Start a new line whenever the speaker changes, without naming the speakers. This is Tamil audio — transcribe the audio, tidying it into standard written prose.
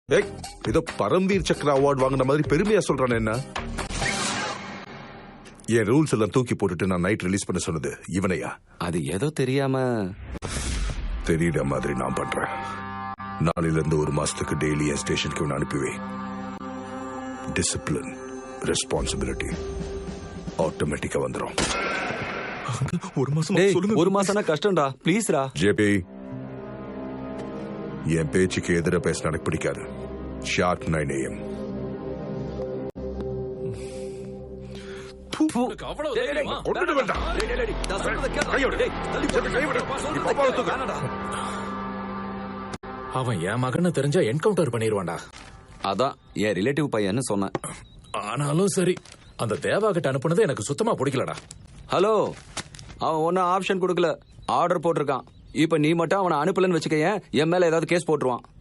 ஏய், ஏதோ பரம்வீர் சக்ரா அவார்டு வாங்கின மாதிரி பெருமையா சொல்றானே என்ன? என் ரூல்ஸ் எல்லாம் தூக்கி போட்டுட்டு நான் நைட் ரிலீஸ் பண்ண சொன்னது இவனையா?
அது ஏதோ தெரியாம
தெரியற மாதிரி நான் பண்றேன். நாளையில இருந்து 1 மாசத்துக்கு டெய்லி என் ஸ்டேஷனுக்கு இவனை அனுப்பிவே. டிசிப்ளின், ரெஸ்பான்சிபிலிட்டி ஆட்டோமேட்டிக்கா வந்துடும்.
1 மாசம்
டேய்,
சொல்லுங்க.
1 மாசம்னா கஷ்டம்டா, ப்ளீஸ்ரா.
ஜேபி, என் பேச்சுக்கு எதிர பேச எனக்கு பிடிக்காது. Sharp 9 AM.
அவன் என் மகன்னு தெரிஞ்சா என்கவுண்டர் பண்ணிடுவான்டா.
அதான் என் ரிலேட்டிவ் பையன்னு சொன்னேன்.
ஆனாலும் சரி, அந்த தேவா கிட்ட அனுப்புனது எனக்கு சுத்தமா பிடிக்கலடா.
ஹலோ, அவன் ஒன்னும் ஆப்ஷன் கொடுக்கல, ஆர்டர் போட்டிருக்கான். இப்ப நீ மட்டும் அவனை அனுப்பலன்னு வச்சுக்க, என் மேல ஏதாவது கேஸ் போட்டுருவான்.